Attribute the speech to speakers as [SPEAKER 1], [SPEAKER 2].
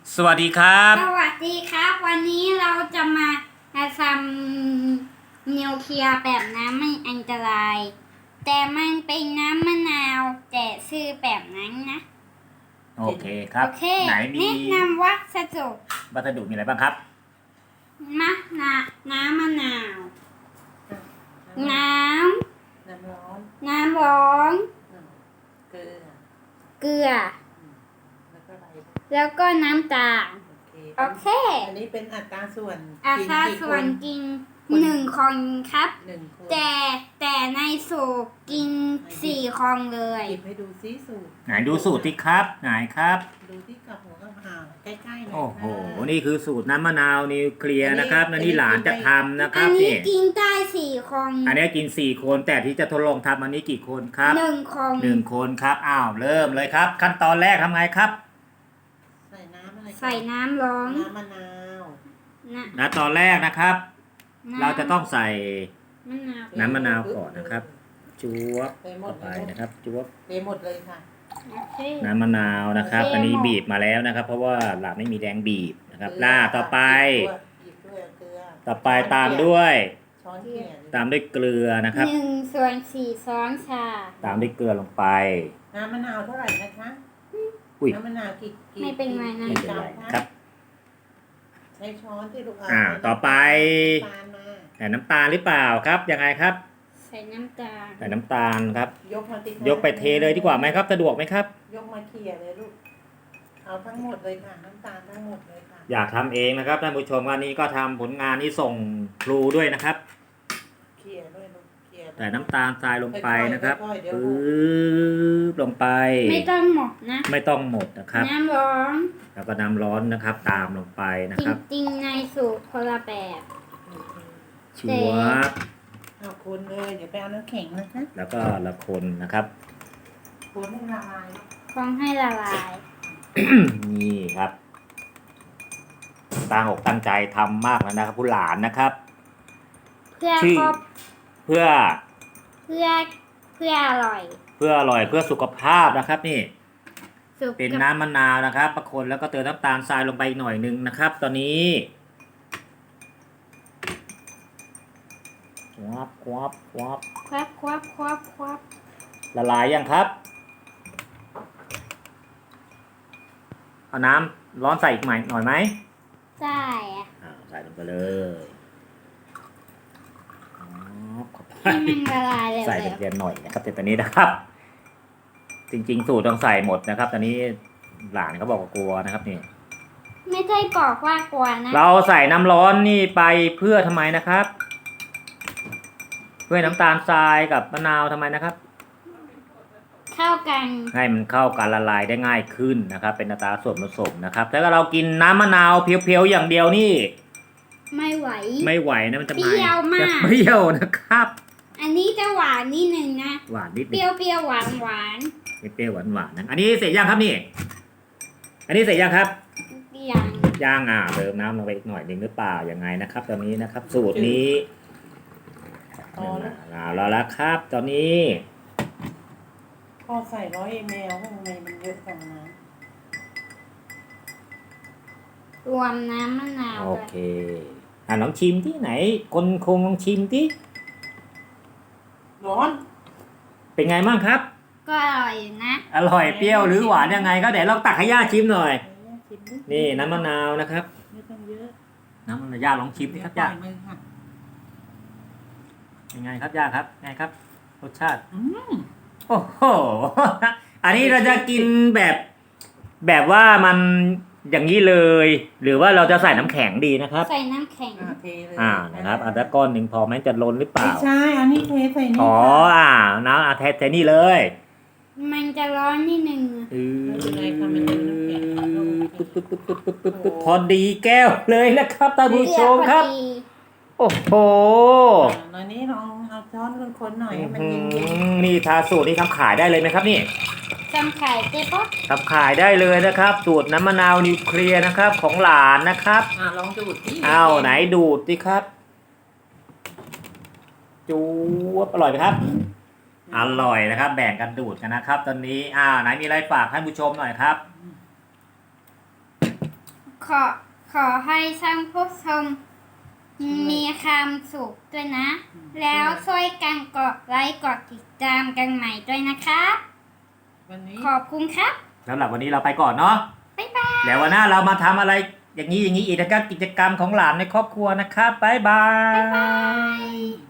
[SPEAKER 1] สวัสดีครับ
[SPEAKER 2] สวัสดีครับวันนี้เราจะมาทำนิวเคลียร์แบบน้ำไม่อันตรายแต่มันเป็นน้ำมะนาวแต่ชื่อแบบนั้นนะ
[SPEAKER 1] โอเคครับ
[SPEAKER 2] โอเค
[SPEAKER 1] ไหนมี
[SPEAKER 2] แนะนำวัสดุ
[SPEAKER 1] วัสดุมีอะไรบ้างครับ
[SPEAKER 2] มะนาน้ำมะนาวน้
[SPEAKER 3] น้ำร้อน
[SPEAKER 2] ำน้ำร้อน
[SPEAKER 3] เกลือ
[SPEAKER 2] เกลือ
[SPEAKER 3] แล้วก็อะไร
[SPEAKER 2] แล้วก็น้ำตาลโอเค
[SPEAKER 3] อันนี้เป็นอัตราส่วน
[SPEAKER 2] อัตราส่วนกิน1 คนครับ
[SPEAKER 3] 1 คน
[SPEAKER 2] แต่ในสูตรกิน4 คนเลย
[SPEAKER 3] หยิบให้ดูซิสูตร
[SPEAKER 1] ไหนดูสูตรที่ครับไหนครับ
[SPEAKER 3] ดูที่กับหัวกับหางใกล้ๆหน่อย
[SPEAKER 1] โอ้โห
[SPEAKER 3] ค่ะ
[SPEAKER 1] นี่คือสูตรน้ำมะนาวนิวเคลียร์นะครับและนี่หลานจะทำนะค
[SPEAKER 2] อั
[SPEAKER 1] รับ
[SPEAKER 2] นนี้
[SPEAKER 1] นี่
[SPEAKER 2] กินได้4 คน
[SPEAKER 1] อันนี้กิน4 คนแต่ที่จะทดลองทำอันนี้กี่คนครับ
[SPEAKER 2] 1 คน
[SPEAKER 1] 1 คนครับอ้าวเริ่มเลยครับ ขั้นตอนแรกทำไงครับ
[SPEAKER 3] ใส่น้ำอะไร
[SPEAKER 2] ใส่น้ำร้อน
[SPEAKER 3] น้ำมะนาว
[SPEAKER 2] นะ
[SPEAKER 1] และตอนแรกนะครับ เราจะต้องใส่
[SPEAKER 2] มะนาว
[SPEAKER 1] น้ำมะนาวก่อนนะครับจวบ
[SPEAKER 3] ไปหม
[SPEAKER 1] เข้า
[SPEAKER 3] ด
[SPEAKER 1] ไป
[SPEAKER 3] เลย
[SPEAKER 1] นะครับจวบ
[SPEAKER 3] เทหมดเลยค่ะ
[SPEAKER 2] โอเค
[SPEAKER 1] น้ำมะนาวนะครับ อันนี้บีบมาแล้วนะครับ เพราะว่าหลานไม่มีแรงบีบนะครับต่อไป
[SPEAKER 3] หยิบด้วยเกลือ
[SPEAKER 1] ต่อไปตามด้วย
[SPEAKER 3] ช้อนเกลี่ย
[SPEAKER 1] ตามด้วยเกลือนะครับ
[SPEAKER 2] 1/4 ช้อนชา
[SPEAKER 1] ตามด้วยเกลือลงไป
[SPEAKER 3] น้ำมะนาวเท่าไหร่นะคะ
[SPEAKER 1] อุ้ย
[SPEAKER 3] น้ำมะนาวกี่
[SPEAKER 2] ไม่เป็นไรนะ
[SPEAKER 1] ไม่เป็นไรครับ
[SPEAKER 3] ใช้ช้อนที่ลูก
[SPEAKER 1] ต่อไป
[SPEAKER 3] น้ำตาลมา
[SPEAKER 1] ใส่น้ำตาลหรือเปล่าครับยังไงครับ
[SPEAKER 2] ใส่น้ำตาล
[SPEAKER 1] ใส่น้ำตาลครับ
[SPEAKER 3] ยกมาติด
[SPEAKER 1] ยกไปเทเลยดีกว่าไหมครับ สะดวกไหมครับ
[SPEAKER 3] ยกมาเขี่ยเลยลูก เอาทั้งหมดเลยค่ะ น้ำตาลทั้งหมดเลยค่ะ
[SPEAKER 1] อยากทำเองนะครับท่านผู้ชมวันนี้ก็ทำผลงานนี้ส่งครูด้วยนะครับ
[SPEAKER 3] เขี่ยด้วยลูกเขี่ย
[SPEAKER 1] ใส่น้ำตาลทรายลงไปนะครับ
[SPEAKER 3] ค่อยๆเดี๋ยว
[SPEAKER 1] ปึ๊บลงไป
[SPEAKER 2] ไม่ต้องหมดนะ
[SPEAKER 1] ไม่ต้องหมดนะครับ
[SPEAKER 2] น้ำร้อน
[SPEAKER 1] แล้วก็น้ำร้อนนะครับ ตามลงไปนะ
[SPEAKER 2] จ
[SPEAKER 1] ครับ
[SPEAKER 2] ริงๆในสูตรคนละแบบ
[SPEAKER 1] ชวบ
[SPEAKER 3] เอาคนเลย เดี๋ยวไปเอาน้ำแข็งนะคะ
[SPEAKER 1] แล้วก็ละคนนะครับ
[SPEAKER 3] คนให้ละลาย
[SPEAKER 2] ฟองให้ละลาย
[SPEAKER 1] นี่ครับตั้งอกตั้งใจทำมากแล้วนะครับผู้หลานนะครับ
[SPEAKER 2] เพื่อ
[SPEAKER 1] ชื่อ
[SPEAKER 2] ครอบ
[SPEAKER 1] เพื่อ
[SPEAKER 2] เพื่อเพื่ออร่อย
[SPEAKER 1] เพื่ออร่อยเพื่อสุขภาพนะครับ นี่
[SPEAKER 2] สุก
[SPEAKER 1] เป็น
[SPEAKER 2] กับ
[SPEAKER 1] น้ำมะนาวนะครับประคนแล้วก็เติมน้ำตาลทรายลงไปอีกหน่อยนึงนะครับ ตอนนี้ควับควับควับ
[SPEAKER 2] ควับ
[SPEAKER 1] ละลายยังครับเอาน้ำร้อนใส่อีกหน่อยไหม
[SPEAKER 2] ใช่อะ
[SPEAKER 1] ใส่ลงไปเลยเข้าไป
[SPEAKER 2] ให้มันละลายเลย
[SPEAKER 1] ใส่เล็กๆหน่อยนะครับแต่ตอนนี้นะครับ จริงๆสูตรต้องใส่หมดนะครับ ตอนนี้หลานเขาบอกว่ากลัวนะครับนี่
[SPEAKER 2] ไม่ใช่บอกว่ากลัวนะ
[SPEAKER 1] เราใส่น้ำร้อนนี่ไปเพื่อทำไมนะครับ เพื่อน้ำตาลทรายกับมะนาวทำไมนะครับ
[SPEAKER 2] เข้ากัน
[SPEAKER 1] ให้มันเข้ากันละลายได้ง่ายขึ้นนะครับ เป็นอัตราส่วนผสมนะครับถ้าเรากินน้ำมะนาวเพียวๆอย่างเดียวนี่
[SPEAKER 2] ไม่ไหว
[SPEAKER 1] ไม่ไหวนะมันจะ
[SPEAKER 2] เปรี้ยวมาก
[SPEAKER 1] จะเปรี้ยวนะครับ
[SPEAKER 2] อันนี้จะหวานนิดนึงนะ
[SPEAKER 1] หวานนิด
[SPEAKER 2] เป
[SPEAKER 1] นึ
[SPEAKER 2] รี้
[SPEAKER 1] ง
[SPEAKER 2] ยวเปรี้ยวหวานหวาน
[SPEAKER 1] เปรี้ยวหวานๆนะอันนี้เสร็จยังครับนี่ อันนี้เสร็จยังครับ
[SPEAKER 2] อย่าง
[SPEAKER 1] ย่างเติมน้ำลงไปอีกหน่อยหนึ่งหรือเปล่ายังไงนะครับ ตอนนี้นะครับ สูตรนี้แล้วละครับ ตอนนี้
[SPEAKER 3] พอใส่100 ml ข้างในมันเยอะจังนะ
[SPEAKER 2] รวมน้ำมะนาว
[SPEAKER 1] โอ
[SPEAKER 2] ด้วย
[SPEAKER 1] เคลองชิมที่ไหนคนคงลองชิมที่
[SPEAKER 3] ร้อน
[SPEAKER 1] เป็นไงบ้างครับ
[SPEAKER 2] ก็อร่อยอยู่นะ
[SPEAKER 1] อร่อยเปรี้ยวหรือหวานยังไงก็เดี๋ยวลองตักให้ย่าชิมหน่อย
[SPEAKER 3] ชิมดิ
[SPEAKER 1] นี่น้ำมะนาวนะครับ
[SPEAKER 3] ไม่ต้องเยอะ
[SPEAKER 1] น้ำมะนาวย่าลองชิมดิครับย่า
[SPEAKER 3] ปล่อยมือค่ะ
[SPEAKER 1] ยังไงครับย่าครับไงครับรสชาติ
[SPEAKER 3] อืม
[SPEAKER 1] โอ้โห อันนี้เราจะกินแบบว่ามันอย่างนี้เลย หรือว่าเราจะใส่น้ำแข็งดีนะครับ
[SPEAKER 2] ใส่น้ำแข็ง
[SPEAKER 3] เทเลย
[SPEAKER 1] นะครับอันละก้อนหนึ่งพอไหมจะล้นหรือเป
[SPEAKER 3] ไม่
[SPEAKER 1] ล่า
[SPEAKER 3] ใช่ อันนี้เทใส่นี่
[SPEAKER 1] อ๋อ
[SPEAKER 3] ค่ะ
[SPEAKER 1] น้ำเทนี่เลย
[SPEAKER 2] มันจะร้อนนิดนึง
[SPEAKER 3] ไม่เป็นไรค่ะมันเป็นน้ำแข็ง
[SPEAKER 1] ปึ๊บพอดีแก้วเลยนะครับท่านผู้ชมครับ
[SPEAKER 2] เกลือพอดี
[SPEAKER 1] โอ้โห
[SPEAKER 3] ตอนนี้ลองเอาช้อนคนๆหน่อยให้มันเย็น
[SPEAKER 1] นี่ทาสูตรนี่ทำขายได้เลยไหมครับนี่
[SPEAKER 2] จำไข่เจ๊ป๊อก
[SPEAKER 1] ทำขายได้เลยนะครับ สูตรน้ำมะนาวนิวเคลียร์นะครับ ของหลานนะครับ
[SPEAKER 3] ๆลองดูดที่
[SPEAKER 1] อ้าวไหนดูดสิครับ จูบอร่อยไหมครับ อร่อยนะครับ แบ่งกันดูดกันนะครับ ตอนนี้ไหนมีอะไรฝากท่านผู้ชมหน่อยครับ
[SPEAKER 2] ขอขอให้ท่านผู้ชมมีความสุขด้วยนะ แล้วช่วยกันกดไลค์กดติดตามกันใหม่ด้วยนะคะ
[SPEAKER 3] วันนี้
[SPEAKER 2] ขอบคุณครับ
[SPEAKER 1] สำหรับวันนี้เราไปก่อนเนาะ
[SPEAKER 2] บ๊ายบาย
[SPEAKER 1] แล้ววันหน้าเรามาทำอะไรอย่างนี้อีกนะครับกิจกรรมของหลานในครอบครัวนะครับบ๊ายบาย
[SPEAKER 2] บ๊ายบาย